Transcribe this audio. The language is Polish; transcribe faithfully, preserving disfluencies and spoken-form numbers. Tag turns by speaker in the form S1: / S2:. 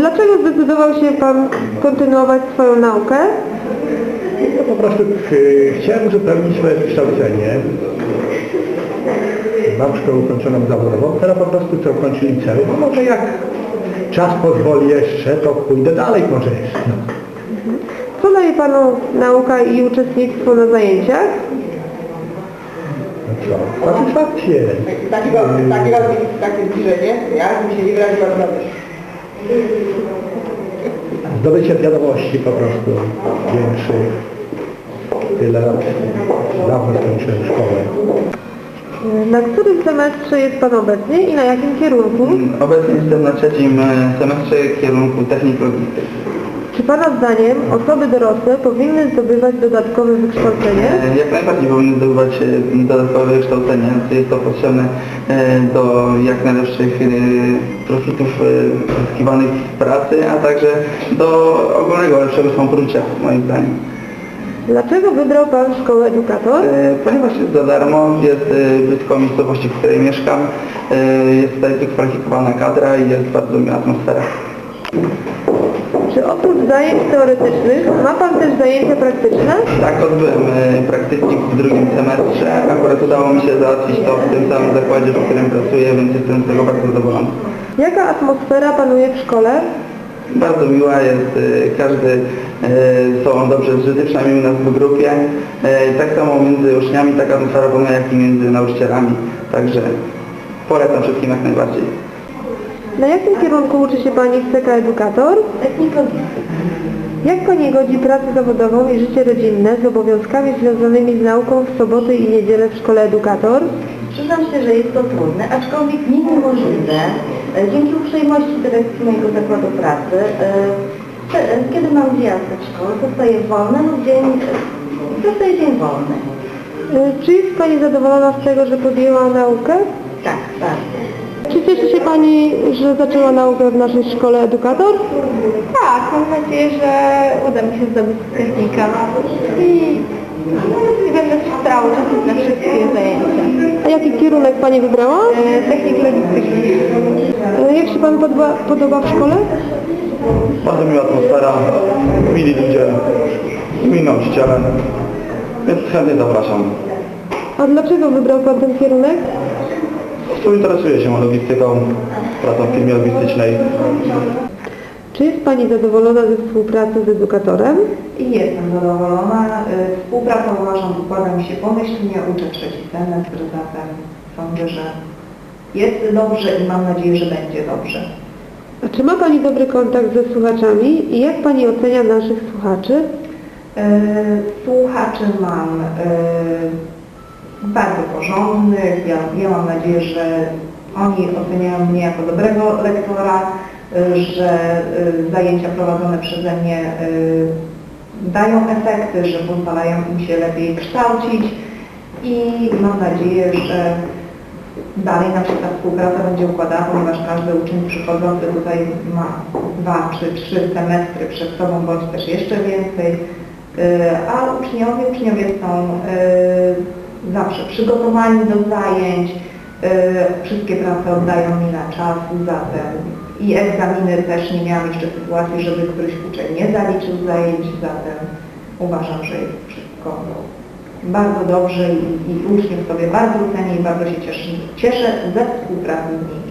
S1: Dlaczego zdecydował się Pan kontynuować swoją naukę?
S2: No po prostu ch chciałem uzupełnić swoje wykształcenie. Mam szkołę ukończoną zawodową, teraz po prostu chcę ukończyć liceum. No może jak czas pozwoli jeszcze, to pójdę dalej może jeszcze. No.
S1: Co daje Panu nauka i uczestnictwo na zajęciach?
S2: No co? Satysfakcję.
S3: Takiego, takiego, takie zbliżenie, ja bym się nie wyraziła dobrze.
S2: Zdobycie wiadomości po prostu większych. Tyle lat dawno skończyłem szkołę.
S1: Na którym semestrze jest Pan obecnie i na jakim kierunku?
S4: Obecnie jestem na trzecim semestrze kierunku technik logistyki.
S1: Czy Pana zdaniem osoby dorosłe powinny zdobywać dodatkowe wykształcenie?
S4: Jak najbardziej powinny zdobywać dodatkowe wykształcenie. Jest to potrzebne do jak najlepszych profitów zyskiwanych z pracy, a także do ogólnego lepszego samopoczucia, moim zdaniem.
S1: Dlaczego wybrał Pan szkołę edukator?
S4: Ponieważ jest za darmo, jest blisko miejscowości, w której mieszkam, jest tutaj wykwalifikowana kadra i jest bardzo miła atmosfera.
S1: Czy oprócz zajęć teoretycznych ma Pan też zajęcia praktyczne?
S4: Tak, odbyłem praktyki w drugim semestrze. Akurat udało mi się załatwić to w tym samym zakładzie, w którym pracuję, więc jestem z tego bardzo zadowolony.
S1: Jaka atmosfera panuje w szkole?
S4: Bardzo miła jest, każdy z sobą dobrze zżyty, przynajmniej u nas w grupie. Tak samo między uczniami taka atmosfera panuje, jak i między nauczycielami. Także polecam wszystkim jak najbardziej.
S1: Na jakim kierunku uczy się Pani w C K Edukator?
S3: Technik logistyki.
S1: Jak Pani godzi pracę zawodową i życie rodzinne z obowiązkami związanymi z nauką w soboty i niedzielę w szkole Edukator?
S3: Przyznam się, że jest to trudne, aczkolwiek nie niemożliwe. E, Dzięki uprzejmości dyrekcji mojego zakładu pracy, e, e, kiedy mam wyjazd do szkoły, dostaję wolny lub dzień, e, dostaję dzień wolny.
S1: Y, Czy jest Pani zadowolona z tego, że podjęła naukę?
S3: Tak, bardzo.
S1: Czy cieszy się Pani, że zaczęła naukę w naszej szkole Edukator?
S3: Tak, mam nadzieję, że uda mi się zdobyć technika i, i będę się starała uczestniczyć na wszystkie zajęcia.
S1: A jaki kierunek Pani wybrała?
S3: E, Technik logistyki.
S1: Y, Jak się Pan podoba, podoba w szkole?
S4: Bardzo miła atmosfera, mili ludzie, mili nauczyciele, więc chętnie zapraszam.
S1: A dlaczego wybrał Pan ten kierunek?
S4: Interesuję się logistyką, pracą w firmie logistycznej.
S1: Czy jest Pani zadowolona ze współpracy z edukatorem?
S3: I jestem zadowolona. Y, Współpraca uważam układa mi się pomyślnie, uczę trzeci semestr, zatem sądzę, że jest dobrze i mam nadzieję, że będzie dobrze.
S1: A czy ma Pani dobry kontakt ze słuchaczami i jak Pani ocenia naszych słuchaczy?
S3: Y, Słuchaczy mam y, bardzo porządnych. Ja, ja mam nadzieję, że oni oceniają mnie jako dobrego lektora, y, że y, zajęcia prowadzone przeze mnie y, dają efekty, że pozwalają im się lepiej kształcić i mam nadzieję, że dalej nam się ta współpraca będzie układała, ponieważ każdy uczeń przychodzący tutaj ma dwa czy trzy semestry przed sobą, bądź też jeszcze więcej, y, a uczniowie, uczniowie są y, zawsze przygotowani do zajęć, y, wszystkie prace oddają mi na czas, zatem i egzaminy też nie miałam jeszcze sytuacji, żeby któryś uczeń nie zaliczył zajęć, zatem uważam, że jest wszystko bardzo dobrze i, i uczniów sobie bardzo cenię i bardzo się cieszę, cieszę ze współpracy z nimi.